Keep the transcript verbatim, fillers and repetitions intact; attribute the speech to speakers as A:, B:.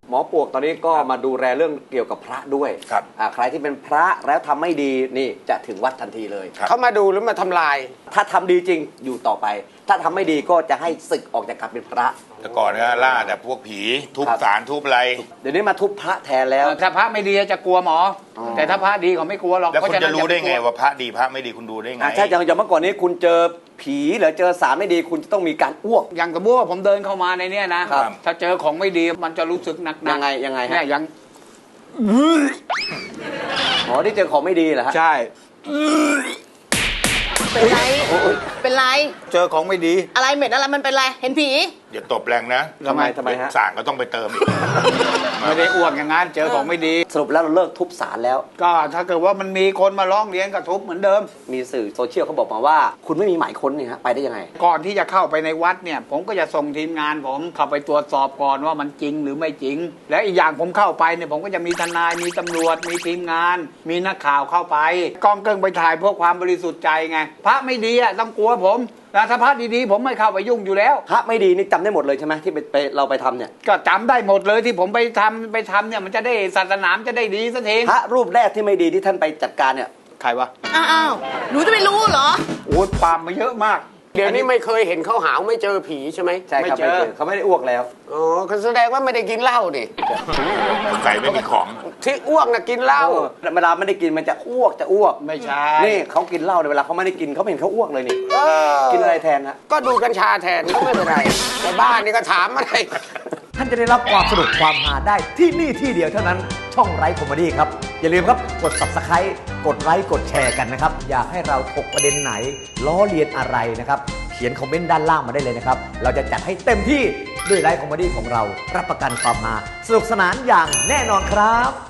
A: หมอปวกตอนนี้ก็มาดูแลเรื่องเกี่ยวกับพระด้วย
B: ครับ
A: ใครที่เป็นพระแล้วทำไม่ดีนี่จะถึงวัดทันทีเลย
C: เขามาดูหรือมาทำลาย
A: ถ้าทำดีจริงอยู่ต่อไปถ้าทำไม่ดีก็จะให้ศึกออกจากการเป็นพระ
B: แต่ก่อนก็ล่าแต่พวกผีทุบสารทุบอะไร
A: เดี๋ยวนี้มาทุบพระแทนแล้ว
D: ถ้าพระไม่ดีจะกลัวหมอแต่ถ้าพระดีเขาไม่กลัวหรอก
B: แล้วคุณจะรู้ได้ไงว่าพระดีพระไม่ดีคุณดูได้ไง
A: ใช่อย่างอย่างเมื่อก่อนนี้คุณเจอผีหรือเจอสารไม่ดีคุณจะต้องมีการอ้วก
D: อย่างสมมติว่าผมเดินเข้ามาในนี้นะถ้าเจอของไม่ดีมันจะรู้สึกหนักๆ
A: ยังไงยังไงฮะ
D: เนี่ยยัง
A: อ๋อที่เจอของไม่ดีเหรอฮะ
D: ใช่
E: เป็นไรเป็นไร
D: เจอของไม่ดี
E: อะไรเหม็นอะไรมันเป็นไรเห็นผี
B: อย่าตบแรงนะ
A: ทำไมทำไมฮะ
B: สารก็ต้องไปเติมอีก
D: ไม่ได้อ้วกอย่างนั้นเจอของไม่ดี
A: สรุปแล้วเราเลิกทุบสารแล้ว
D: ก็ถ้าเกิดว่ามันมีคนมาร้องเรียนก็ทุบเหมือนเดิม
A: มีสื่อโซเชียลเขาบอกมาว่าคุณไม่มีหมายค้นนี่ฮะไปได้ยังไง
D: ก่อนที่จะเข้าไปในวัดเนี่ยผมก็จะส่งทีมงานผมเข้าไปตรวจสอบก่อนว่ามันจริงหรือไม่จริงและอีกอย่างผมเข้าไปเนี่ยผมก็จะมีทนายมีตำรวจมีทีมงานมีนักข่าวเข้าไปกล้องเกิ้งไปถ่ายเพื่อความบริสุทธิ์ใจไงพระไม่ดีอ่ะต้องกลัวผมแต่ถ้าพระดีๆผมไม่เข้าไปยุ่งอยู่แล้ว
A: พระไม่ดีนี่จำได้หมดเลยใช่ไหมที่ไปเราไปทำเนี่ย
D: ก็จำได้หมดเลยที่ผมไปทำไปทำเนี่ยมันจะได้ศาสนาจะได้ดีสักที
A: พระรูปแรกที่ไม่ดีที่ท่านไปจัดการเนี่ย
D: ใครวะ
E: อ้าวหนูจะไม่รู้เหรอ
D: โอ้ยปามมาเยอะมาก
C: เดี๋ยวนี้ไม่เคยเห็นเขาหาวไม่เจอผีใช่ไหม
A: ใช่ครับไม่เจอเขาไม่ได้อ้วกแล้ว
C: อ๋อเขาแสดงว่าไม่ได้กินเหล้าดิ
B: ใส่ไม่มีของ
C: ที่อ้วกนะกินเหล้า
A: เวลาไม่ได้กินมันจะอ้วกจะอ้วก
D: ไม่ใช่
A: นี่เขากินเหล้าในเวลาเขาไม่ได้กินเขาเห็นเขาอ้วกเลยนี่กินอะไรแทนฮะ
C: ก็ดูกัญชาแทนก็ไม่เป็นไรในบ้านนี่ก็ถามอะไร
F: ท่านจะได้รับความสนุกความฮาได้ที่นี่ที่เดียวเท่านั้นช่องไร้คอมเมดี้ครับอย่าลืมครับกด ซับสไครบ์ กดไลค์กดแชร์กันนะครับอยากให้เราถกประเด็นไหนล้อเลียนอะไรนะครับเขียนคอมเมนต์ด้านล่างมาได้เลยนะครับเราจะจัดให้เต็มที่ด้วยไร้คอมเมดี้ของเรารับประกันความฮาสนุกสนานอย่างแน่นอนครับ